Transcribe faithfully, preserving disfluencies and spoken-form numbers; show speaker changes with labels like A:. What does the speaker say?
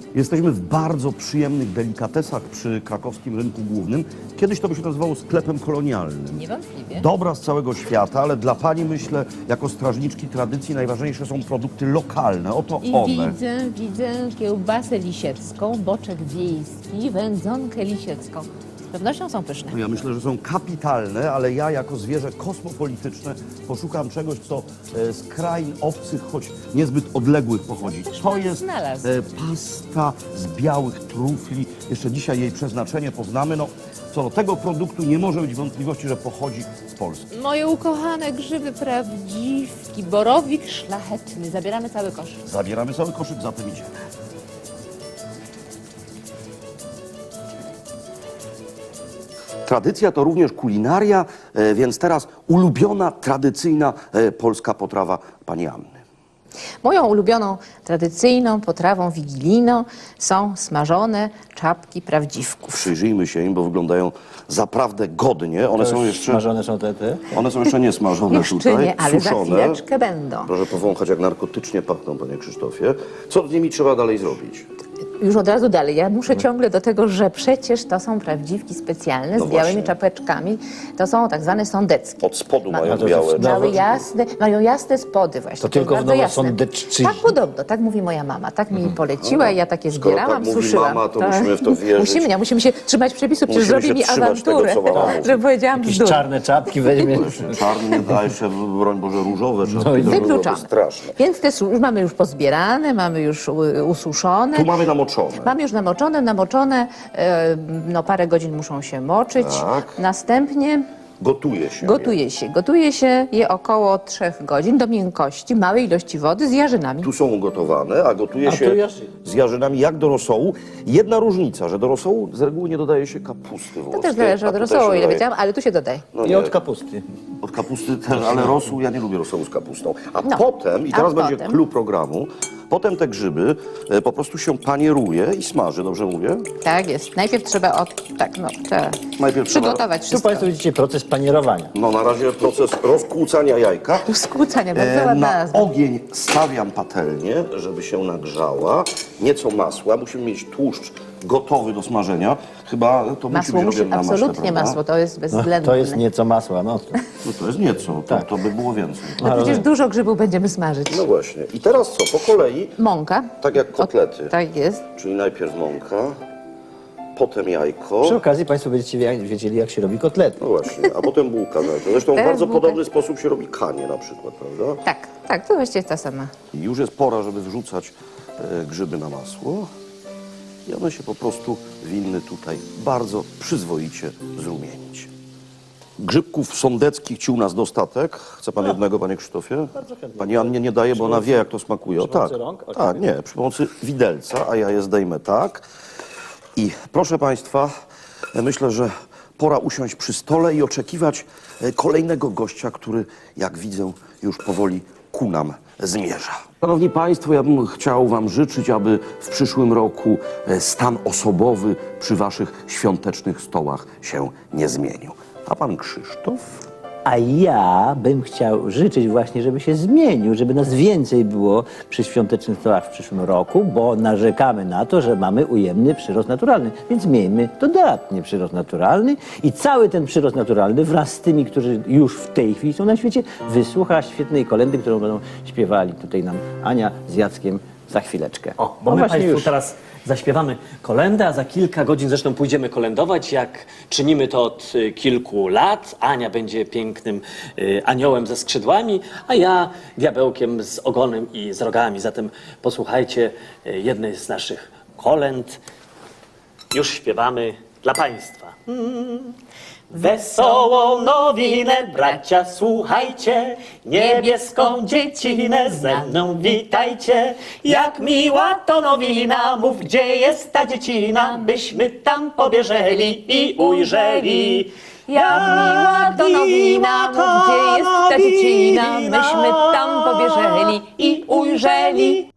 A: Jesteśmy w bardzo przyjemnych delikatesach przy krakowskim rynku głównym. Kiedyś to by się nazywało sklepem kolonialnym.
B: Niewątpliwie.
A: Dobra z całego świata, ale dla pani, myślę, jako strażniczki tradycji najważniejsze są produkty lokalne. Oto
B: I
A: one.
B: widzę, widzę kiełbasę lisiecką, boczek wiejski, wędzonkę lisiecką. Z pewnością są pyszne.
A: No ja myślę, że są kapitalne, ale ja jako zwierzę kosmopolityczne poszukam czegoś, co e, z krain obcych, choć niezbyt odległych pochodzi. To jest
B: znalazł.
A: e, pasta z białych trufli. Jeszcze dzisiaj jej przeznaczenie poznamy. No, co do tego produktu nie może być wątpliwości, że pochodzi z Polski.
B: Moje ukochane grzyby prawdziwki, borowik szlachetny. Zabieramy cały kosz.
A: Zabieramy cały koszyk, zatem idziemy. Tradycja to również kulinaria, e, więc teraz ulubiona, tradycyjna e, polska potrawa pani Anny.
B: Moją ulubioną, tradycyjną potrawą wigilijną są smażone czapki prawdziwków.
A: Przyjrzyjmy się im, bo wyglądają zaprawdę godnie. One są jeszcze,
C: Smażone są te, te?
A: one są jeszcze nie smażone
B: Jeszcze
A: tutaj,
B: nie, ale za
A: suszone.
B: chwileczkę będą.
A: Proszę powąchać, jak narkotycznie pachną, panie Krzysztofie. Co z nimi trzeba dalej zrobić?
B: Już od razu dalej. Ja muszę ciągle do tego, że przecież to są prawdziwki specjalne
A: No
B: z białymi
A: właśnie.
B: czapeczkami. To są tak zwane sądeckie.
A: Od spodu
B: Ma-
A: mają
C: to
A: białe.
C: jest-
B: Mają jasne, mają jasne spody właśnie.
C: To tylko w
B: jest bardzo jasne.
C: Nowosądecczyźnie.
B: Tak podobno, tak mówi moja mama. Tak mi poleciła i ja takie
A: Skoro
B: zbierałam,
A: tak mówi
B: suszyłam.
A: mama, to musimy w to wierzyć.
B: Musimy, nie, musimy się trzymać przepisów, przecież
A: Musimy
B: zrobi
A: się
B: mi
A: trzymać tego,
B: awanturę,
A: co mama mówi.
B: że powiedziałam
C: Jakieś
B: bzdur.
C: czarne czapki weźmie.
A: Czarny nie daje się, broń Boże, różowe.
C: No i
A: różowe,
B: Wykluczone.
A: straszne.
B: Więc te su- już mamy już pozbierane, mamy już u- ususzone.
A: Tu mamy namoczone.
B: Mamy już namoczone, namoczone, e, no parę godzin muszą się moczyć.
A: Tak.
B: Następnie
A: Gotuje się.
B: gotuje się. Gotuje się je około trzech godzin do miękkości, małej ilości wody z jarzynami.
A: Tu są ugotowane, a gotuje
C: A
A: się
C: tu jarzyny.
A: z jarzynami jak do rosołu. Jedna różnica, że do rosołu z reguły nie dodaje się kapusty włoskiej.
B: To też zależy
A: a
B: od
A: tutaj
B: rosołu,
A: się
B: ile
A: dodaje-
B: wiedziałam, ale tu się dodaje.
A: No
C: I
A: nie,
C: od kapusty.
A: Od kapusty też, ale rosół, ja nie lubię rosołu z kapustą. A
B: No,
A: potem, i
B: a
A: teraz będzie
B: potem?
A: clou programu, potem te grzyby e, po prostu się panieruje i smaży, dobrze mówię?
B: Tak jest. Najpierw trzeba od, tak, no, trzeba
A: Najpierw trzeba-
B: przygotować
C: Tu
B: wszystko.
C: Państwo widzicie proces panierowania.
A: No na razie proces rozkłócania jajka.
B: Skłócania, bardzo
A: E,
B: ładna
A: na
B: nazwa.
A: ogień stawiam patelnię, żeby się nagrzała. Nieco masła. Musimy mieć tłuszcz gotowy do smażenia. Chyba to musi
B: Masło
A: być
B: musi,
A: robione na maśle,
B: absolutnie
A: prawda?
B: masło, to jest
C: No,
B: bezwzględne.
C: to jest nieco masła. No.
A: No to jest nieco, to,
C: Tak.
A: to by było więcej.
B: No przecież dużo grzybów będziemy smażyć.
A: No właśnie. I teraz co? Po kolei,
B: Mąka.
A: tak jak kotlety.
B: Tak jest.
A: Czyli najpierw mąka, potem jajko.
C: Przy okazji Państwo będziecie wie- wiedzieli, jak się robi kotlety.
A: No właśnie, a potem bułka. Zresztą w
B: Teraz
A: bardzo
B: bułka.
A: podobny sposób się robi kanie na przykład, prawda?
B: Tak, tak, to właściwie ta sama.
A: I już jest pora, żeby wrzucać e, grzyby na masło. I one się po prostu winny tutaj bardzo przyzwoicie zrumienić. Grzybków sądeckich ci u nas dostatek. Chce pan jednego, panie Krzysztofie?
C: Bardzo chętnie.
A: Pani Annie nie daje, bo ona wie, jak to smakuje. O,
C: Przy
A: tak,
C: pomocy rąk? O,
A: tak, nie, przy pomocy widelca, a ja je zdejmę tak. I proszę państwa, myślę, że pora usiąść przy stole i oczekiwać e, kolejnego gościa, który, jak widzę, już powoli ku nam zmierza. Szanowni Państwo, ja bym chciał Wam życzyć, aby w przyszłym roku e, stan osobowy przy Waszych świątecznych stołach się nie zmienił. A Pan Krzysztof?
C: A ja bym chciał życzyć właśnie, żeby się zmienił, żeby nas więcej było przy świątecznych stołach w przyszłym roku, bo narzekamy na to, że mamy ujemny przyrost naturalny. Więc miejmy dodatnie przyrost naturalny i cały ten przyrost naturalny wraz z tymi, którzy już w tej chwili są na świecie, wysłucha świetnej kolędy, którą będą śpiewali tutaj nam Ania z Jackiem za chwileczkę.
D: O, bo
C: No
D: my
C: właśnie
D: Państwu
C: już.
D: teraz zaśpiewamy kolędę, a za kilka godzin zresztą pójdziemy kolędować, jak czynimy to od y, kilku lat. Ania będzie pięknym y, aniołem ze skrzydłami, a ja diabełkiem z ogonem i z rogami. Zatem posłuchajcie y, jednej z naszych kolęd. Już śpiewamy dla Państwa. Wesołą nowinę, bracia, słuchajcie, niebieską dziecinę ze mną witajcie. Jak miła to nowina, mów, gdzie jest ta dziecina, byśmy tam pobieżeli i ujrzeli.
B: Jak miła to nowina, mów, gdzie jest ta dziecina, myśmy tam pobieżeli i ujrzeli.